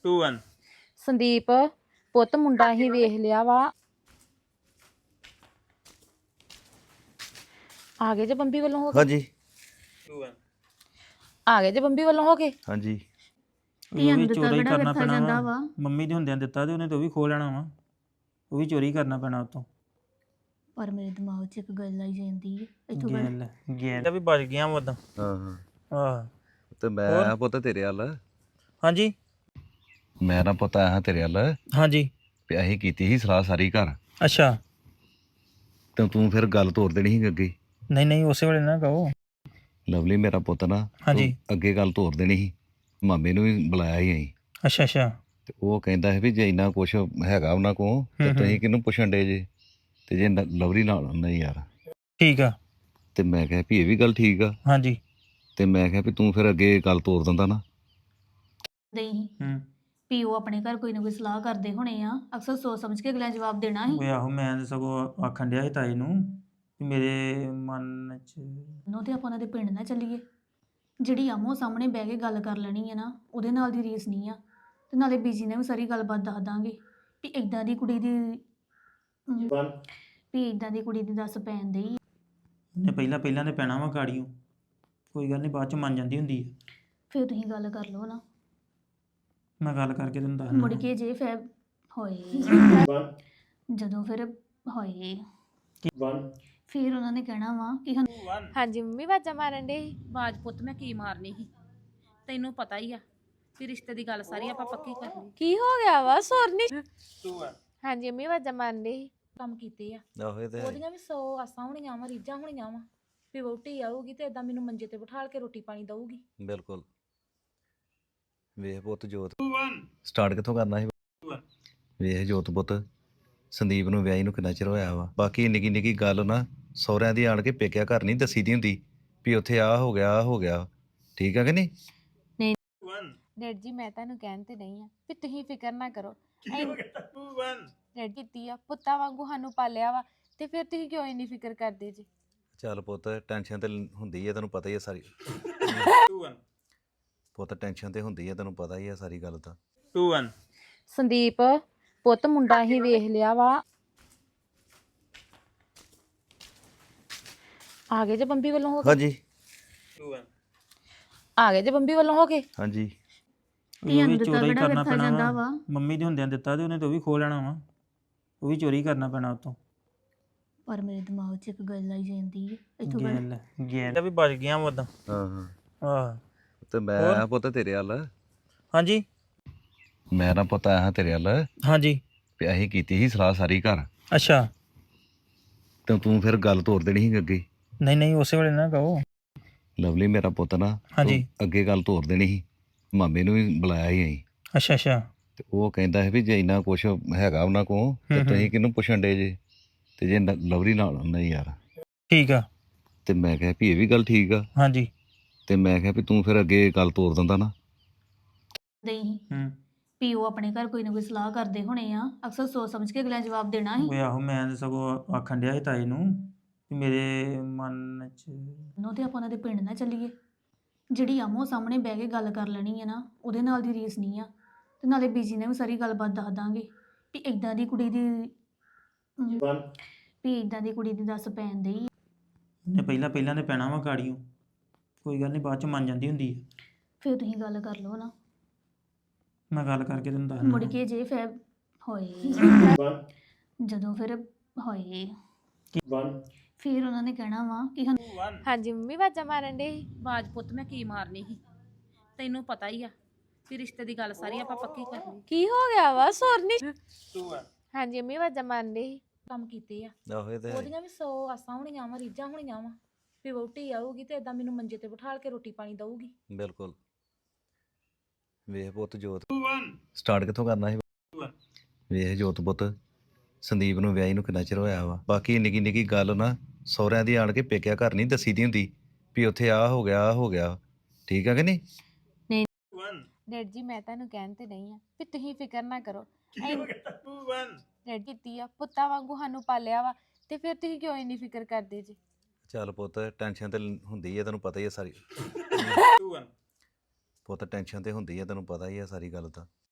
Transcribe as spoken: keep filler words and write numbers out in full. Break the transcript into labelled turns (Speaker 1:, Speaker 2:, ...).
Speaker 1: To one
Speaker 2: Sandeep ਪੁੱਤ ਮੁੰਡਾ ਹੀ ਵੇਖ ਲਿਆ ਵਾ ਆ ਗਏ ਜੇ ਬੰਬੀ ਵੱਲੋਂ ਹੋ ਕੇ
Speaker 3: ਹਾਂਜੀ
Speaker 1: ਟੂ ਵਨ
Speaker 2: ਆ ਗਏ ਜੇ ਬੰਬੀ ਵੱਲੋਂ ਹੋ ਕੇ
Speaker 3: ਹਾਂਜੀ
Speaker 1: ਉਹ ਵੀ ਚੋਰੀ ਕਰਨਾ ਪੈਣਾ ਵਾ ਮੰਮੀ ਦੇ ਹੁੰਦਿਆਂ ਦਿੱਤਾ ਤੇ ਉਹਨੇ ਤਾਂ ਉਹ ਵੀ ਖੋ ਲੈਣਾ ਵਾ ਉਹ ਵੀ ਚੋਰੀ ਕਰਨਾ ਪੈਣਾ ਉਤੋਂ
Speaker 4: ਪਰ ਮੇਰੇ ਦਿਮਾਗ 'ਚ ਇੱਕ ਗੱਲ ਆਈ ਜਾਂਦੀ ਹੈ ਇੱਥੋਂ
Speaker 1: ਗੇਲ ਗੇਲ ਵੀ ਬਚ ਗਿਆ ਵਾ ਉਦਾਂ
Speaker 3: ਹਾਂ ਹਾਂ
Speaker 1: ਆਹ
Speaker 3: ਤੇ ਮੈਂ ਆਇਆ ਪੁੱਤ ਤੇਰੇ ਵੱਲ
Speaker 1: ਹਾਂਜੀ
Speaker 3: ਮੈਂ ਨਾ ਪੁੱਤ ਆਇਆ ਤੇਰੇ ਵੱਲ
Speaker 1: ਹਾਂਜੀ
Speaker 3: ਵੀ ਅਸੀਂ ਕੀਤੀ ਸੀ ਸਲਾਹ ਸਾਰੀ ਘਰ
Speaker 1: ਅੱਛਾ
Speaker 3: ਤੇ ਤੂੰ ਫਿਰ ਗੱਲ ਤੋਰ ਦੇਣੀ ਸੀ ਅੱਗੇ
Speaker 1: ਨਹੀਂ ਨਹੀਂ ਉਸੇ ਵੇਲੇ ਨਾ ਕਹੋ
Speaker 3: ਲਵਲੀ ਮੇਰਾ ਪੁੱਤ ਨਾ
Speaker 1: ਹਾਂਜੀ
Speaker 3: ਤੂੰ ਅੱਗੇ ਗੱਲ ਤੋਰ ਦੇਣੀ ਸੀ ਮਾਮੇ ਨੂੰ ਵੀ ਬੁਲਾਇਆ ਸੀ ਅਸੀਂ
Speaker 1: ਅੱਛਾ ਅੱਛਾ
Speaker 3: ਤੇ ਉਹ ਕਹਿੰਦਾ ਹੈ ਵੀ ਜੇ ਇੰਨਾ ਕੁਛ ਹੈਗਾ ਉਹਨਾਂ ਕੋਲ ਤੇ ਤੁਸੀਂ ਕਿਹਨੂੰ ਪੁੱਛਣ ਡੇ ਜੇ ਤੇ ਜੇ ਨ- ਲਵਲੀ ਨਾਲ ਨਹੀਂ ਯਾਰ
Speaker 1: ਠੀਕ ਆ
Speaker 3: ਤੇ ਮੈਂ ਕਿਹਾ ਵੀ ਇਹ ਵੀ ਗੱਲ ਠੀਕ ਆ
Speaker 1: ਹਾਂਜੀ
Speaker 3: ਤੇ ਮੈਂ ਕਿਹਾ ਵੀ ਤੂੰ ਫਿਰ ਅੱਗੇ ਗੱਲ ਤੋਰ ਦਿੰਦਾ ਨਾ
Speaker 4: ਨਹੀਂ
Speaker 1: ਹੂੰ
Speaker 4: ਵੀ ਉਹ ਆਪਣੇ ਘਰ ਕੋਈ ਨਾ ਕੋਈ ਸਲਾਹ ਕਰਦੇ ਹੋਣੇ ਆ ਅਕਸਰ ਸੋਚ ਸਮਝ ਕੇ ਅਗਲਾ ਜਵਾਬ ਦੇਣਾ ਸੀ
Speaker 1: ਓਏ ਆਹੋ ਮੈਂ ਤਾਂ ਸਗੋਂ ਆਖਣ ਡਿਆ ਸੀ ਤਾਈ ਨੂੰ ਕਿ ਮੇਰੇ ਮਨ 'ਚ
Speaker 4: ਨੋ ਤੇ ਆਪਾਂ ਉਹਨਾਂ ਦੇ ਪਿੰਡ ਨਾ ਚੱਲੀਏ ਜਿਹੜੀ ਆਮੋ ਸਾਹਮਣੇ ਬਹਿ ਕੇ ਗੱਲ ਕਰ ਲੈਣੀ ਹੈ ਨਾ ਉਹਦੇ ਨਾਲ ਦੀ ਰੀਸ ਨਹੀਂ ਆ ਤੇ ਨਾਲੇ ਬੀਜੀ ਨੇ ਵੀ ਸਾਰੀ ਗੱਲਬਾਤ ਦੱਸ ਦਾਂਗੇ ਵੀ ਇਦਾਂ ਦੀ ਕੁੜੀ ਦੀ ਵੀ ਇਦਾਂ ਦੀ ਕੁੜੀ ਦੀ ਦੱਸ ਪੈਣ ਦੇਈ
Speaker 1: ਨੇ ਪਹਿਲਾਂ ਪਹਿਲਾਂ ਤੇ ਪੈਣਾ ਵਾ ਗਾੜੀਓ ਕੋਈ ਗੱਲ ਨਹੀਂ ਬਾਅਦ 'ਚ ਮੰਨ ਜਾਂਦੀ ਹੁੰਦੀ ਹੈ
Speaker 4: ਫਿਰ ਤੁਸੀਂ ਗੱਲ ਕਰ ਲਓ ਨਾ
Speaker 1: ਮੈਂ ਗੱਲ ਕਰਕੇ ਤੈਨੂੰ ਦੱਸ
Speaker 4: ਮੁੜ ਕੇ ਜੇ ਫੈ ਹੋਏ ਜਦੋਂ ਫਿਰ ਹੋਏ ਫਿਰ ਉਹਨਾਂ ਨੇ ਕਹਿਣਾ ਵਾ ਕਿ ਸਾਨੂੰ
Speaker 2: ਹਾਂਜੀ ਮੰਮੀ ਵਾਜਾ ਮਾਰਨ ਦੇ
Speaker 5: ਬਾਜ ਪੁੱਤ ਮੈਂ ਕੀ ਮਾਰਨੀ ਸੀ ਤੈਨੂੰ ਪਤਾ ਹੀ ਆ ਵੀ ਰਿਸ਼ਤੇ ਦੀ ਗੱਲ ਸਾਰੀ ਆਪਾਂ ਪੱਕੀ ਕਰ ਲਈ
Speaker 2: ਕੀ ਹੋ ਗਿਆ ਵਾ ਸੋਰਨੀ
Speaker 1: ਟੂ ਵਨ
Speaker 2: ਹਾਂਜੀ ਮੰਮੀ ਵਾਜਾ ਮਾਰਨ ਦੇ
Speaker 5: ਕੰਮ ਕੀਤੇ ਆ
Speaker 3: ਆਹੋ ਇਹ ਤੇ ਹੈ।
Speaker 5: ਉਹਦੀਆਂ ਵੀ ਸੌ ਆਸਾਂ ਹੋਣੀਆਂ ਵਾ ਰੀਝਾਂ ਹੋਣੀਆਂ ਵਾ ਵੀ ਵਹੁਟੀ ਆਊਗੀ ਤੇ ਏਦਾਂ ਮੈਨੂੰ ਮੰਜੇ ਤੇ ਬਿਠਾਲ ਕੇ ਰੋਟੀ ਪਾਣੀ ਦਊਗੀ
Speaker 3: ਬਿਲਕੁਲ ਵੇਖ ਪੁੱਤ ਜੋਤ ਸਟਾਰਟ ਕਿੱਥੋਂ ਕਰਨਾ ਸੀ ਵੇਖ ਜੋਤ ਪੁੱਤ ਸੰਦੀਪ ਨੂੰ ਵਿਆਹੀ ਨੂੰ ਕਿੰਨਾ ਚਿਰ ਹੋਇਆ ਵਾ ਬਾਕੀ ਨਿੱਕੀ ਨਿੱਕੀ ਗੱਲ ਨਾ ਸਹੁਰਿਆਂ ਦੀ ਆਣ ਕੇ ਪੇਕਿਆ ਘਰ ਨਹੀਂ ਦੱਸੀ ਦੀ ਹੁੰਦੀ ਵੀ ਉੱਥੇ ਆ ਹੋ ਗਿਆ ਆਹ ਹੋ ਗਿਆ ਠੀਕ ਆ ਕਿ ਨਹੀਂ
Speaker 2: ਡੈਡ ਜੀ ਮੈਂ ਤੁਹਾਨੂੰ ਕਹਿਣ ਤੇ ਨਹੀਂ ਆ ਵੀ ਤੁਸੀਂ ਫਿਕਰ ਨਾ ਕਰੋ
Speaker 1: ਟੂ ਵਨ
Speaker 2: ਡੈਡ ਕੀਤੀ ਆ ਪੁੱਤਾਂ ਵਾਂਗੂ ਸਾਨੂੰ ਪਾਲਿਆ ਵਾ ਤੇ ਫਿਰ ਤੁਸੀਂ ਕਿਉਂ ਇੰਨੀ ਫਿਕਰ ਕਰਦੇ ਜੀ
Speaker 3: ਚੱਲ ਪੁੱਤ ਟੈਨਸ਼ਨ ਤੇ ਹੁੰਦੀ ਹੈ ਤੈਨੂੰ ਪਤਾ ਹੀ ਹੈ ਸਾਰੀ
Speaker 1: ਟੂ ਵਨ
Speaker 3: ਪੁੱਤ ਟੈਨਸ਼ਨ ਤੇ ਹੁੰਦੀ ਹੈ ਤੈਨੂੰ ਪਤਾ ਹੀ ਹੈ ਸਾਰੀ ਗੱਲ ਦਾ
Speaker 1: ਟੂ ਵਨ
Speaker 2: ਸੰਦੀਪ ਪੁੱਤ ਮੁੰਡਾ ਹੀ ਵੇਖ ਲਿਆ ਵਾ ਆ ਗਏ ਜੇ ਬੰਬੀ ਵੱਲੋਂ ਹੋ ਕੇ
Speaker 3: ਹਾਂਜੀ
Speaker 1: ਟੂ ਵਨ
Speaker 2: ਆ ਗਏ ਜੇ ਬੰਬੀ ਵੱਲੋਂ ਹੋ ਕੇ
Speaker 3: ਹਾਂਜੀ
Speaker 1: ਉਹ ਵੀ ਚੋਰੀ ਕਰਨਾ ਪੈਣਾ ਵਾ ਮੰਮੀ ਦੇ ਹੁੰਦਿਆਂ ਦਿੱਤਾ ਤੇ ਉਹਨੇ ਤਾਂ ਉਹ ਵੀ ਖੋ ਲੈਣਾ ਵਾ ਉਹ ਵੀ ਚੋਰੀ ਕਰਨਾ ਪੈਣਾ ਉਤੋਂ
Speaker 4: ਪਰ ਮੇਰੇ ਦਿਮਾਗ 'ਚ ਇੱਕ ਗੱਲ ਆਈ ਜਾਂਦੀ ਹੈ ਇੱਥੋਂ
Speaker 1: ਗੇਲ ਗੇਲ ਵੀ ਬਚ ਗਿਆ ਵਾ ਉਦਾਂ
Speaker 3: ਹਾਂ ਹਾਂ
Speaker 1: ਆਹ
Speaker 3: ਤੇ ਮੈਂ ਆਇਆ ਪੁੱਤ ਤੇਰੇ ਵੱਲ
Speaker 1: ਹਾਂਜੀ
Speaker 3: ਮੈਂ ਨਾ ਪੁੱਤ ਆਇਆ ਤੇਰੇ ਵੱਲ
Speaker 1: ਹਾਂਜੀ
Speaker 3: ਵੀ ਅਸੀਂ ਕੀਤੀ ਸੀ ਸਲਾਹ ਸਾਰੀ ਘਰ
Speaker 1: ਅੱਛਾ
Speaker 3: ਤੇ ਤੂੰ ਫਿਰ ਗੱਲ ਤੋਰ ਦੇਣੀ ਸੀ ਅੱਗੇ
Speaker 1: ਨਹੀਂ ਨਹੀਂ ਉਸੇ ਵੇਲੇ ਨਾ ਕਹੋ
Speaker 3: ਲਵਲੀ ਮੇਰਾ ਪੁੱਤ ਨਾ ਤੂੰ
Speaker 1: ਹਾਂਜੀ
Speaker 3: ਅੱਗੇ ਗੱਲ ਤੋਰ ਦੇਣੀ ਸੀ ਮਾਮੇ ਨੂੰ ਵੀ ਬੁਲਾਇਆ ਸੀ ਅਸੀਂ
Speaker 1: ਅੱਛਾ ਅੱਛਾ
Speaker 3: ਤੇ ਉਹ ਕਹਿੰਦਾ ਹੈ ਵੀ ਜੇ ਇੰਨਾ ਕੁਛ ਹੈਗਾ ਉਹਨਾਂ ਕੋਲ ਤੇ ਤੁਸੀਂ ਕਿਹਨੂੰ ਪੁੱਛਣ ਡੇ ਜੇ ਤੇ ਜੇ ਨ- ਲਵਲੀ ਨਾਲ ਨਹੀਂ ਯਾਰ
Speaker 1: ਠੀਕ ਆ
Speaker 3: ਤੇ ਮੈਂ ਕਿਹਾ ਵੀ ਇਹ ਵੀ ਗੱਲ ਠੀਕ ਆ
Speaker 1: ਹਾਂਜੀ
Speaker 3: ਤੇ ਮੈਂ ਕਿਹਾ ਵੀ ਤੂੰ ਫਿਰ ਅੱਗੇ ਗੱਲ ਤੋਰ ਦਿੰਦਾ ਨਾ
Speaker 4: ਨਹੀਂ
Speaker 1: ਹੂੰ
Speaker 4: ਵੀ ਉਹ ਆਪਣੇ ਘਰ ਕੋਈ ਨਾ ਕੋਈ ਸਲਾਹ ਕਰਦੇ ਹੋਣੇ ਆ ਅਕਸਰ ਸੋਚ ਸਮਝ ਕੇ ਅਗਲਾ ਜਵਾਬ ਦੇਣਾ ਸੀ
Speaker 1: ਓਏ ਆਹੋ ਮੈਂ ਤਾਂ ਸਗੋਂ ਆਖਣ ਡਿਆ ਸੀ ਤਾਈ ਨੂੰ ਕਿ ਮੇਰੇ ਮਨ 'ਚ
Speaker 4: ਨੋ ਤੇ ਆਪਾਂ ਉਹਨਾਂ ਦੇ ਪਿੰਡ ਨਾ ਚੱਲੀਏ ਜਿਹੜੀ ਆਮੋ ਸਾਹਮਣੇ ਬਹਿ ਕੇ ਗੱਲ ਕਰ ਲੈਣੀ ਹੈ ਨਾ ਉਹਦੇ ਨਾਲ ਦੀ ਰੀਸ ਨਹੀਂ ਆ ਤੇ ਨਾਲੇ ਬੀਜੀ ਨੇ ਵੀ ਸਾਰੀ ਗੱਲਬਾਤ ਦੱਸ ਦਾਂਗੇ ਵੀ ਇਦਾਂ ਦੀ ਕੁੜੀ ਦੀ ਵੀ ਇਦਾਂ ਦੀ ਕੁੜੀ ਦੀ ਦੱਸ ਪੈਣ ਦੇਈ
Speaker 1: ਨੇ ਪਹਿਲਾਂ ਪਹਿਲਾਂ ਤੇ ਪੈਣਾ ਵਾ ਗਾੜੀਓ ਕੋਈ ਗੱਲ ਨਹੀਂ ਬਾਅਦ 'ਚ ਮੰਨ ਜਾਂਦੀ ਹੁੰਦੀ ਹੈ
Speaker 4: ਫਿਰ ਤੁਸੀਂ ਗੱਲ ਕਰ ਲਓ ਨਾ
Speaker 1: ਮੈਂ ਗੱਲ ਕਰਕੇ ਤੈਨੂੰ ਦੱਸ
Speaker 4: ਮੁੜ ਕੇ ਜੇ ਫੈ ਹੋਏ ਜਦੋਂ ਫਿਰ ਹੋਏ ਫਿਰ ਉਹਨਾਂ ਨੇ ਕਹਿਣਾ ਵਾ ਕਿ ਸਾਨੂੰ
Speaker 2: ਹਾਂਜੀ ਮੰਮੀ ਵਾਜਾ ਮਾਰਨ ਦੇ
Speaker 5: ਬਾਜ ਪੁੱਤ ਮੈਂ ਕੀ ਮਾਰਨੀ ਸੀ ਤੈਨੂੰ ਪਤਾ ਹੀ ਆ ਵੀ ਰਿਸ਼ਤੇ ਦੀ ਗੱਲ ਸਾਰੀ ਆਪਾਂ ਪੱਕੀ ਕਰ ਲਈ
Speaker 2: ਕੀ ਹੋ ਗਿਆ ਵਾ ਸੋਰਨੀ
Speaker 1: ਟੂ ਵਨ
Speaker 2: ਹਾਂਜੀ ਮੰਮੀ ਵਾਜਾ ਮਾਰਨ ਦੇ
Speaker 5: ਕੰਮ ਕੀਤੇ ਆ
Speaker 3: ਆਹੋ ਇਹ ਤੇ ਹੈ।
Speaker 5: ਉਹਦੀਆਂ ਵੀ ਸੌ ਆਸਾਂ ਹੋਣੀਆਂ ਵਾ ਰੀਝਾਂ ਹੋਣੀਆਂ ਵਾ ਵੀ ਵਹੁਟੀ ਆਊਗੀ ਤੇ ਏਦਾਂ ਮੈਨੂੰ ਮੰਜੇ ਤੇ ਬਿਠਾਲ ਕੇ ਰੋਟੀ ਪਾਣੀ ਦਊਗੀ
Speaker 3: ਬਿਲਕੁਲ ਵੇਖ ਪੁੱਤ ਜੋਤ ਸਟਾਰਟ ਕਿੱਥੋਂ ਕਰਨਾ ਸੀ ਵੇਖ ਜੋਤ ਪੁੱਤ ਸੰਦੀਪ ਨੂੰ ਵਿਆਹੀ ਨੂੰ ਕਿੰਨਾ ਚਿਰ ਹੋਇਆ ਵਾ ਬਾਕੀ ਨਿੱਕੀ ਨਿੱਕੀ ਗੱਲ ਨਾ ਸਹੁਰਿਆਂ ਦੀ ਆਣ ਕੇ ਪੇਕਿਆ ਘਰ ਨਹੀਂ ਦੱਸੀ ਦੀ ਹੁੰਦੀ ਵੀ ਉੱਥੇ ਆ ਹੋ ਗਿਆ ਆਹ ਹੋ ਗਿਆ ਠੀਕ ਆ ਕਿ ਨਹੀਂ
Speaker 2: ਡੈਡ ਜੀ ਮੈਂ ਤੁਹਾਨੂੰ ਕਹਿਣ ਤੇ ਨਹੀਂ ਆ ਵੀ ਤੁਸੀਂ ਫਿਕਰ ਨਾ ਕਰੋ
Speaker 1: ਟੂ ਵਨ
Speaker 2: ਡੈਡ ਕੀਤੀ ਆ ਪੁੱਤਾਂ ਵਾਂਗੂ ਸਾਨੂੰ ਪਾਲਿਆ ਵਾ ਤੇ ਫਿਰ ਤੁਸੀਂ ਕਿਉਂ ਇੰਨੀ ਫਿਕਰ ਕਰਦੇ ਜੀ
Speaker 3: ਚੱਲ ਪੁੱਤ ਟੈਨਸ਼ਨ ਤੇ ਹੁੰਦੀ ਹੈ ਤੈਨੂੰ ਪਤਾ ਹੀ ਹੈ ਸਾਰੀ
Speaker 1: ਟੂ ਵਨ
Speaker 3: ਪੁੱਤ ਟੈਨਸ਼ਨ ਤੇ ਹੁੰਦੀ ਹੈ ਤੈਨੂੰ ਪਤਾ ਹੀ ਹੈ ਸਾਰੀ ਗੱਲ ਦਾ